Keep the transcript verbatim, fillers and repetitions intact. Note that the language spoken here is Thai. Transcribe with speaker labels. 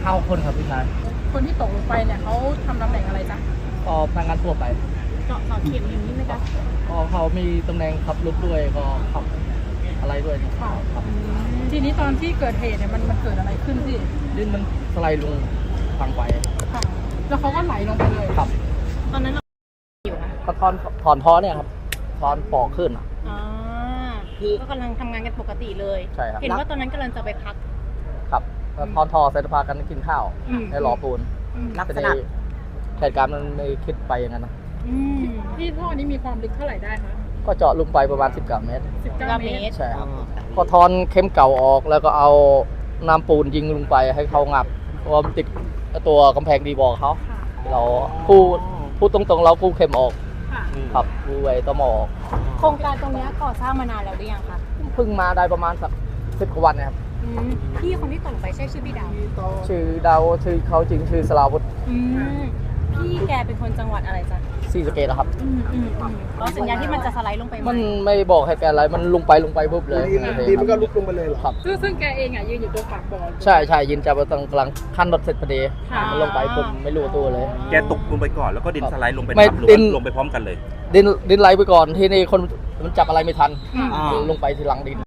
Speaker 1: าคนครับพี่ชาย
Speaker 2: คนที่ตกลงไปเนี่ยเขาทำตำแหน่งอะไรจ๊ะ
Speaker 1: ก็พนักงานทั่วไป
Speaker 2: เจาะเสาเข็มอย่างนี้ไหมจ๊ะ
Speaker 1: ก็เขามีตำแหน่งขับรถด้วยก็ขับอะไรด้วยครับ
Speaker 2: ทีนี้ตอนที่เกิดเหตุเนี่ยมันมันเกิดอะไรขึ้นพี่
Speaker 1: ดินมันสไลด์ลงทางไป
Speaker 2: ค่ะแล้วเขาก็ไหลลงไปเลย
Speaker 1: ครับ
Speaker 2: ตอนนั้นเราอยู่นะ
Speaker 1: ก็ถอนถอนท้อเนี่ยครับถอนปอกขึ้นอ่ะ
Speaker 2: ก็กำลังทำงานกันปกติเลย
Speaker 1: ใช่ครับ
Speaker 2: เห็นว่าตอนนั้นกำลังจะไปพัก
Speaker 1: ครับถอนทอเสร็จพากันกินข้าวในหล่อปูนลักษณะเหตุการณ์มันไม่คิดไปอย่างนั้นนะ
Speaker 2: ที่ท่อนี้มีความลึกเท่าไหร่ได้คะ
Speaker 1: ก็เจาะลงไปประมาณสิบเก้าเมตร
Speaker 2: สิบเก้าเมตร
Speaker 1: ใช่ครับก็ถอนเข็มเก่าออกแล้วก็เอาน้ำปูนยิงลงไปให้เขางับเพราะมันติดตัวกำแพงดีบอกเขาเราพูดพูดตรงๆเราพูดเข็มออกครับพูดไว้ต่อหมอ
Speaker 2: โครงการตรงนี้ก่อสร้างมานานแล้วหรือยังคะ
Speaker 1: เพิ่งมาได้ประมาณสักสิบกว่าวันนะครับ
Speaker 2: พี่คนที่ตกไปใช่ชื่อพี่ดาว
Speaker 1: ชื่อดาวชื่อเขาจริงชื่อสลาวุฒิ
Speaker 2: พี่แกเป็นคนจังหวัดอะไรจ๊ะ
Speaker 1: ศรีสะเกษครับ
Speaker 2: แล้วสัญญาณที่มันจะสไลด์ลงไป
Speaker 1: มันไม่บอกให้แกอะไรมันลงไปลงไปปุ๊บเลย
Speaker 3: ดีมันก็ลุกลงไปเลย
Speaker 1: ครับ
Speaker 2: ซึ่งซึ่งแกเองอ่ะยืนอยู่ตรงปากบ่อ
Speaker 1: ใช่ใช่ยืนจับตรงกลางขั้นรถเสร็จพอดีมันลงไปปุ๊บไม่รู้ตัวเลย
Speaker 4: แกตกลงไปก่อนแล้วก็ดินสไลด์ลงไป
Speaker 1: ไม่
Speaker 4: หรือว่าลงไปพร้อมกันเลย
Speaker 1: ดินดินไหลไปก่อนที่นี่คนมันจับอะไรไม่ทันลงไปทีหลังดิน